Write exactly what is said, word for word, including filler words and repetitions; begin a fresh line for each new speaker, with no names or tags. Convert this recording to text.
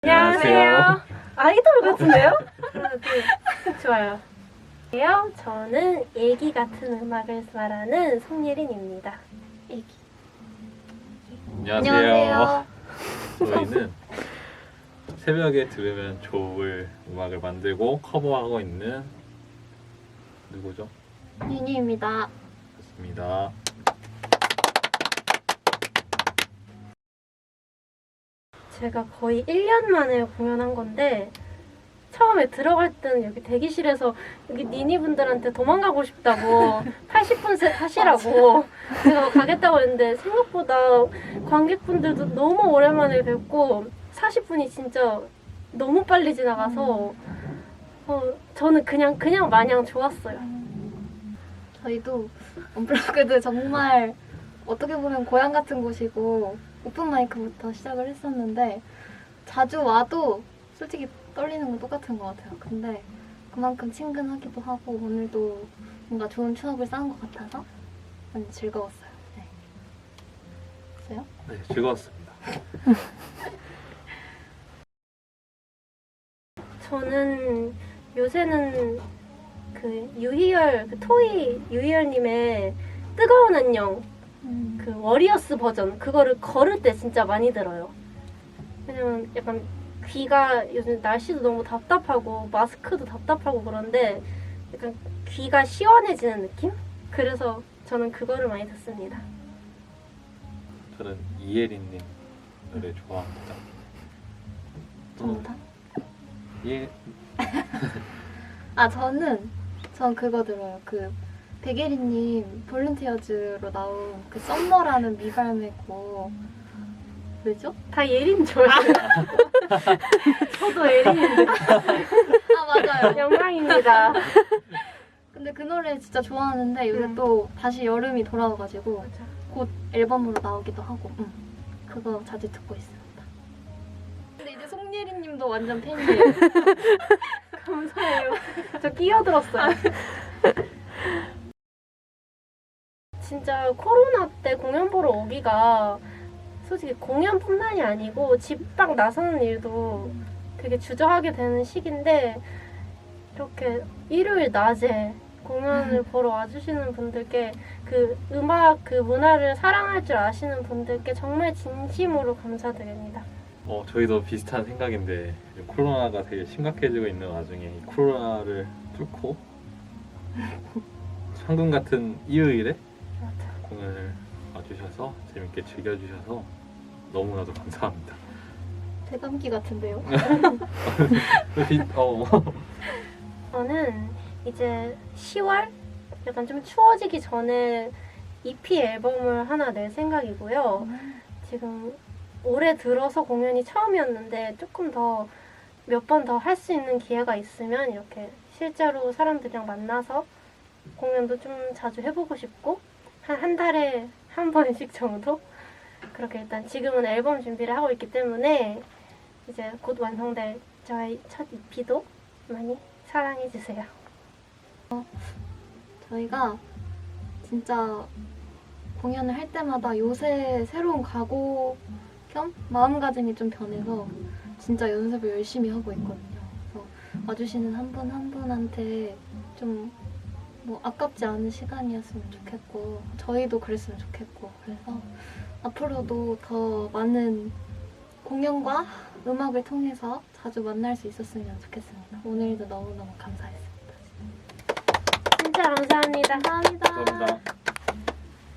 안녕하세요. 아이돌 같은데요? 하나, 둘, 좋아요. 안녕하세요. 저는 애기 같은 음악을 말하는 송예린입니다. 애기.
안녕하세요.
안녕하세요.
저희는 새벽에 들으면 좋을 음악을 만들고 커버하고 있는 누구죠?
윤희입니다.
좋습니다.
제가 거의 일 년 만에 공연한 건데 처음에 들어갈 때는 여기 대기실에서 여기 니니분들한테 도망가고 싶다고 팔십 분 하시라고 제가 가겠다고 했는데 생각보다 관객분들도 너무 오랜만에 뵙고 사십 분이 진짜 너무 빨리 지나가서 어, 저는 그냥 그냥 마냥 좋았어요.
저희도 언플러그드 정말 어떻게 보면 고향 같은 곳이고 오픈마이크부터 시작을 했었는데 자주 와도 솔직히 떨리는 건 똑같은 것 같아요. 근데 그만큼 친근하기도 하고 오늘도 뭔가 좋은 추억을 쌓은 것 같아서 많이 즐거웠어요. 네. 어요?
네, 즐거웠습니다.
저는 요새는 그 유희열, 그 토이 유희열님의 뜨거운 안녕
음.
그 워리어스 버전 그거를 걸을 때 진짜 많이 들어요. 왜냐면 약간 귀가 요즘 날씨도 너무 답답하고 마스크도 답답하고 그런데 약간 귀가 시원해지는 느낌? 그래서 저는 그거를 많이 듣습니다.
저는 이예린님 노래 좋아합니다.
정답?
예.
아 저는 전 그거 들어요. 그 백예린님 볼런티어즈로 나온 그 썸머라는 미발매곡 왜죠?
다 예린 좋아해요. 저도 예린인데
아 맞아요.
영광입니다.
근데 그 노래 진짜 좋아하는데 요새
음.
또 다시 여름이 돌아와가지고
맞아.
곧 앨범으로 나오기도 하고 응. 그거 자주 듣고 있습니다. 근데 이제 송예린님도 완전 팬이에요.
감사해요. 저 끼어들었어요. 진짜 코로나 때 공연 보러 오기가 솔직히 공연뿐만이 아니고 집 밖 나서는 일도 되게 주저하게 되는 시기인데 이렇게 일요일 낮에 공연을 보러 와주시는 분들께 그 음악 그 문화를 사랑할 줄 아시는 분들께 정말 진심으로 감사드립니다.
어, 저희도 비슷한 생각인데 코로나가 되게 심각해지고 있는 와중에 이 코로나를 뚫고 황금 같은 일요일에
맞아.
공연을 와주셔서 재밌게 즐겨주셔서 너무나도 감사합니다.
대감기 같은데요?
어.
저는 이제 시월? 약간 좀 추워지기 전에 이피 앨범을 하나 낼 생각이고요. 지금 올해 들어서 공연이 처음이었는데 조금 더 몇 번 더 할 수 있는 기회가 있으면 이렇게 실제로 사람들이랑 만나서 공연도 좀 자주 해보고 싶고 한 한 달에 한 번씩 정도? 그렇게 일단 지금은 앨범 준비를 하고 있기 때문에 이제 곧 완성될 저의 첫 이피도 많이 사랑해주세요.
저희가 진짜 공연을 할 때마다 요새 새로운 각오 겸 마음가짐이 좀 변해서 진짜 연습을 열심히 하고 있거든요. 그래서 와주시는 한 분 한 분한테 좀 뭐 아깝지 않은 시간이었으면 좋겠고 저희도 그랬으면 좋겠고 그래서 앞으로도 더 많은 공연과 음악을 통해서 자주 만날 수 있었으면 좋겠습니다. 오늘도 너무너무 감사했습니다.
진짜 감사합니다.
감사합니다.
감사합니다.